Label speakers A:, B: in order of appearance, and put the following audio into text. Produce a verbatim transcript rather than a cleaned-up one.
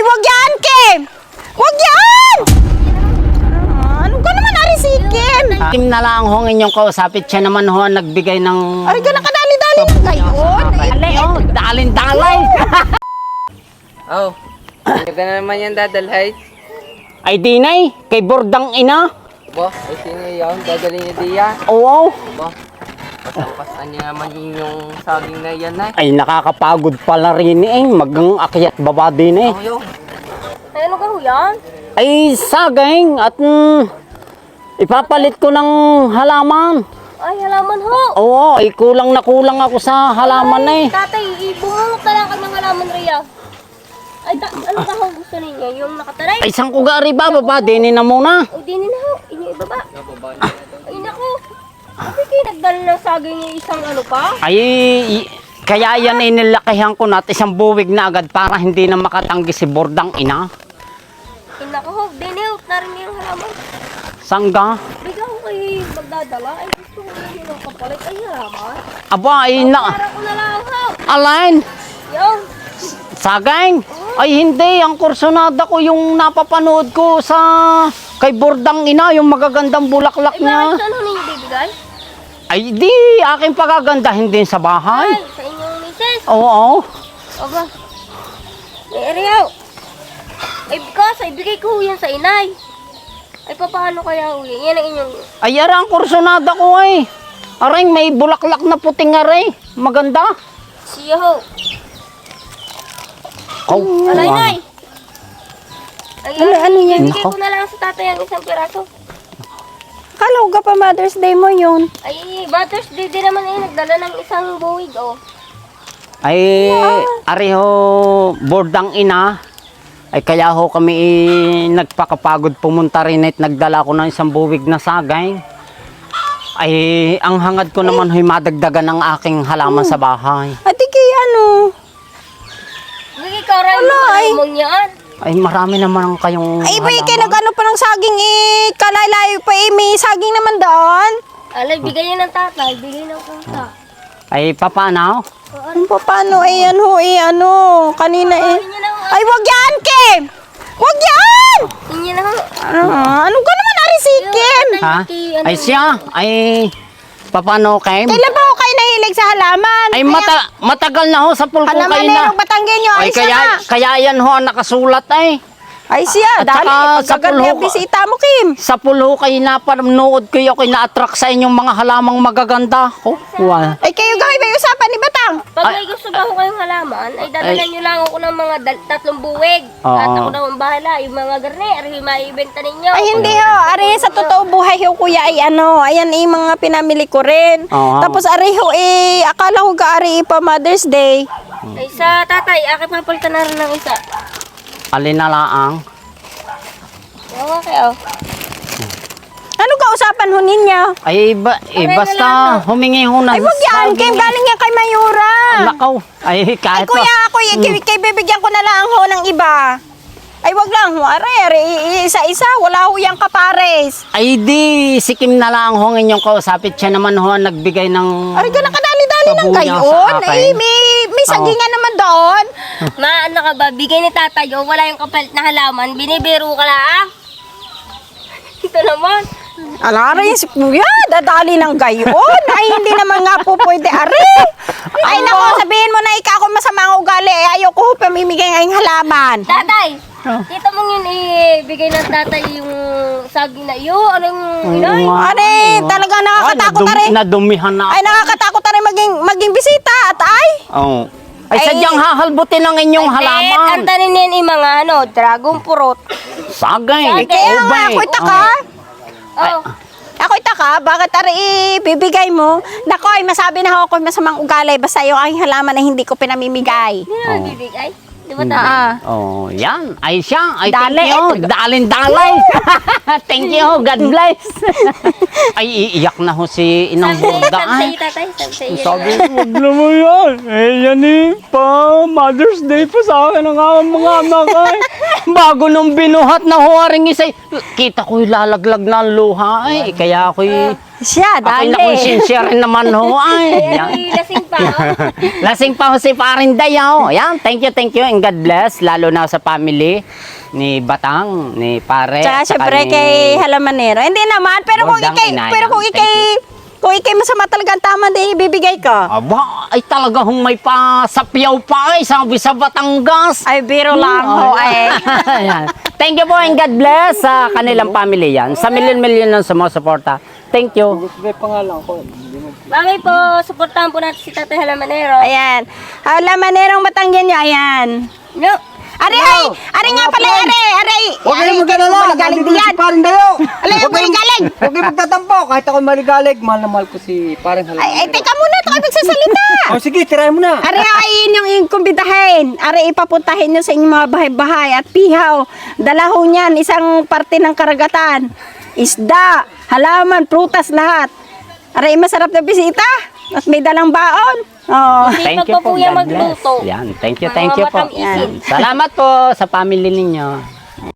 A: Ay, wag yan, Kim! Wag yan! Ah, ano ka naman, Ari, si Kim?
B: Kim na lang ho ang inyong kausapit. Siya naman ho ang nagbigay ng...
A: Ay, ka nakadali-dali lang ngayon.
B: Ay, oh, dalin-dalay.
C: Oh, ano ka na naman yan dadalhay?
B: Ay, dinay, kay Bordang ina.
C: Bo, ay sino yun? Dadali niya diya?
B: Oo.
C: Bo, pasampasan niya naman yung saging na yan ay.
B: Ay, nakakapagod pala rin eh. Magang akyat baba din eh.
C: Oh, yun.
A: Ay, ano ka ho yan?
B: Ay, saging at mm, ipapalit ko ng halaman.
A: Ay, halaman ho.
B: Oo, ay kulang na kulang ako sa halaman eh.
A: Tatay, ibungungot na lang ka ng halaman, Rhea. Ay, ta- ano ka ho gusto ninyo? Yung nakataray?
B: Ay, saan ko gari ba? Baba, dinin na muna.
A: O, di na ho. Inyo ibaba. Ay, naku. Kasi kayo nagdala ng saging yung isang ano pa?
B: Ay, i- kaya yan inilakihan ko natin isang buwig na agad para hindi na makatanggi si Bordang ina.
A: Ay, naku ho. Di na ho. Narinig yung halaman.
B: Sangga?
A: Bigla ko kayo magdadala. Ay, gusto ko yun yung kapalit. Ay, halaman.
B: Aba, ay na...
A: Para ko na lang ho.
B: Alain!
A: Yung.
B: Saging? Ay hindi, ang kursunada ko yung napapanood ko sa kay Bordang ina, yung magagandang bulaklak
A: Ay,
B: niya.
A: bakit saan ho ninyo bibigay?
B: Ay di, aking pagagandahin din sa bahay.
A: Ay, sa inyong misis.
B: Oo.
A: Aba. May Ariel. Ay, because, ay bigay ko ho yan sa inay. Ay, paano kaya ho yan? Yan ang inyong...
B: Ay ara ang kursunada ko ay. Aring may bulaklak na puting aray. Maganda.
A: Siya ho.
B: Oh,
A: Alay,
B: wow.
A: nay. Ay,
D: Ano, ano yan?
A: Bigay ko na lang sa tatay ang isang piraso.
D: Kala ko pa Mother's Day mo yun.
A: Ay, Mother's Day din naman eh. Nagdala ng isang buwig, oh.
B: Ay, ari ho, Bordang ina. Ay kaya ho kami eh, nagpakapagod pumunta rin at nagdala ko ng isang buwig na sagay. Ay, ang hangad ko naman ho'y madagdagan ng aking halaman sa bahay.
D: Ate kay ano?
A: Bigay ka rin mo yan.
B: Ay, marami naman kayong
D: Ay, ba
B: halaman.
D: kayo nag-ano pa ng saging eh. Kalalayo pa eh. May saging naman doon.
A: Alay, bigay yan ng tatay. Bigay ng pusa.
B: Ay, papanaw?
D: Ano pa paano eh, ano eh, ano. Kanina eh.
A: Inyo na ho.
D: Ay, wag yan, Kim! Wag yan!
A: Inyo na ho.
D: Ano, ano ka naman, Ari, si Kim?
B: Ha? Ay, siya? Ay, papano kayo?
D: Kailan ba ako kayo nahilig sa halaman?
B: Ay, mata matagal na ho sa pulko
D: Halaman
B: kayo
D: na
B: na.
D: yung batanggen nyo.
B: Ay,
D: Ay,
B: kaya,
D: siya.
B: kaya yan ho ang nakasulat ay.
D: Ay, siya.
B: At
D: Dali,
B: saka sa
D: pagkaganda yung
B: pulho-
D: bisita mo, Kim.
B: Sa pulo kayo na panood ko yung na-attract sa inyong mga halamang magaganda. Oh, wow.
D: Ay, kayo gawin ba yung usapan ni Batang?
A: Pag may gusto ba ho kayong halaman, ay dadalan nyo lang ako ng mga dal- tatlong buwig.
B: Oo.
A: At ako na ang bahala. Yung mga garne, ay maibenta ninyo.
D: Ay, hindi ho. Ari, sa totoo buhay ho, kuya, ay ano, ayan eh, mga pinamili ko rin.
B: Oo.
D: Tapos, ari ho, eh, akala ko ka, ari, pa Mother's Day.
A: Ay, sa tatay, akin papalitan na rin ng isa.
B: Alin na laang.
A: Oo, kayo.
D: Ano ka usapan ho ninyo?
B: Ay, ba, eh,
A: Aray na
B: basta
A: lang.
B: humingi ho ng
D: Ay, wag yan,
B: saging.
D: Kim, galing yan kay Mayura.
B: Nakaw. Ay,
D: Ay,
B: kahit
D: kuya,
B: pa.
D: ako, mm. kay, kay bibigyan ko na lang ho ng iba. Ay, wag lang ho, ari, ari, isa-isa, wala ho yung kapares.
B: Ay, di, si Kim na lang ho ang inyong kausapit. Siya naman ho ang nagbigay ng...
D: Ari, ka nakadali-dali lang
B: Pabuya
D: kayo.
B: sa akin.
D: Ay, may, may sagingan naman doon.
A: Ma, ano ka ba? Bigay ni tatay, oh, wala yung kapalit na halaman. Binibiro ka lang. Ito naman.
D: Alari, si kuya, dadali ng gayon. Ay, hindi naman nga po pwede, ari. Ay, naku, sabihin mo na ikaw ako masamang ugali. Eh, ayoko ho pamimigay ngayong halaman.
A: Tatay! Kita mo yun, ibigay ng tatay yung saging na iyo. Anong inay?
D: Ari, talagang nakakatakot na rin.
B: Nadumihan na.
D: Ay, nakakatakot na rin maging, maging bisita at ay.
B: Oh. Ay,
D: Ay,
B: sadyang hahalbutin ang inyong
A: At
B: halaman.
A: ang tanin yan yung mga ano, dragon fruit.
B: Sagay.
D: Kaya nga,
B: ubay.
D: ako'y taka.
A: Oh.
D: Ako'y taka, bakit ari ibibigay mo? Nako, ay masabi na ako masamang ugali. Basta yung aking halaman na hindi ko pinamimigay.
A: Hindi na bibigay. Di ba tatay?
D: Ah.
B: Oh, yan. Ay siya. Ay,
D: Dali,
B: thank you.
D: eh.
B: Dalin dalay. Thank you. God bless. Ay, iiyak na ho si Inang
A: Sabi
B: Borda.
A: sabi
B: Ay,
A: sa'yo tatay, sabi sa'yo.
B: sabi ko, wag naman yan. Eh, yan eh. Pa Mother's Day pa sa akin ang mga mga anak ay. bago nung binuhat na huwaring isay, kita ko lalaglag na ang luha ay. Kaya ako'y,
D: Siya,
B: ako'y
D: dali.
B: nakonsensya rin naman ho ay.
A: Ay,
B: Yan.
A: ako'y lasing pa. oh.
B: Lasing pa ho si Parinday ho. Yan, thank you, thank you and God bless. Lalo na sa family ni Batang, ni Pare.
D: Tsaka
B: at saka
D: syempre
B: ni-
D: kay Halamanero. Hindi naman, pero kung
B: Bordang
D: ikay,
B: Inay,
D: pero kung
B: thank
D: ikay, kung ikay masama talaga ang tama, di ibibigay ka.
B: Aba, ay talaga hong may pasapyaw pa ay sabi sa Batangas.
D: Ay, biro lang ho, ay.
B: Ayan. Thank you po and God bless sa kanilang family yan. Sa milyon-milyon ng sumusuporta. Thank you.
A: Bagay po, supportahan po natin si Tatay Halamanero.
D: Ayan. Halamanero Batanggen niya, ayan.
A: No.
D: Ari, ay! Ari nga pala, ari! Ari!
E: Huwag
D: Ari,
E: kayong mag-alala.
D: maligalig
E: Nandito na
D: diyan.
E: si Paring Dayo.
D: Alay,
E: Huwag kayong-
D: maligalig.
E: Huwag kayong magtatampo. Kahit ako maligalig, mahal na mahal ko si Paring Halamanero.
D: Ay, ay, teka muna, ito kayo magsasalita.
E: Oh, sige, tirahin mo na.
D: Ari, ay, yun yung ikumbidahin. Ari, ipapuntahin nyo sa inyong mga bahay-bahay at pihaw. Dalaho niyan, isang parte ng karagatan. Isda, halaman, prutas, lahat. Ari, masarap na bisita. At may dalang baon. Oh.
B: Thank you
A: pa
B: po.
A: po yan
B: God bless.
A: magluto.
B: Yan. Thank you,
A: Mga
B: thank you po.
A: matamisin.
B: Yan. Salamat po sa family ninyo.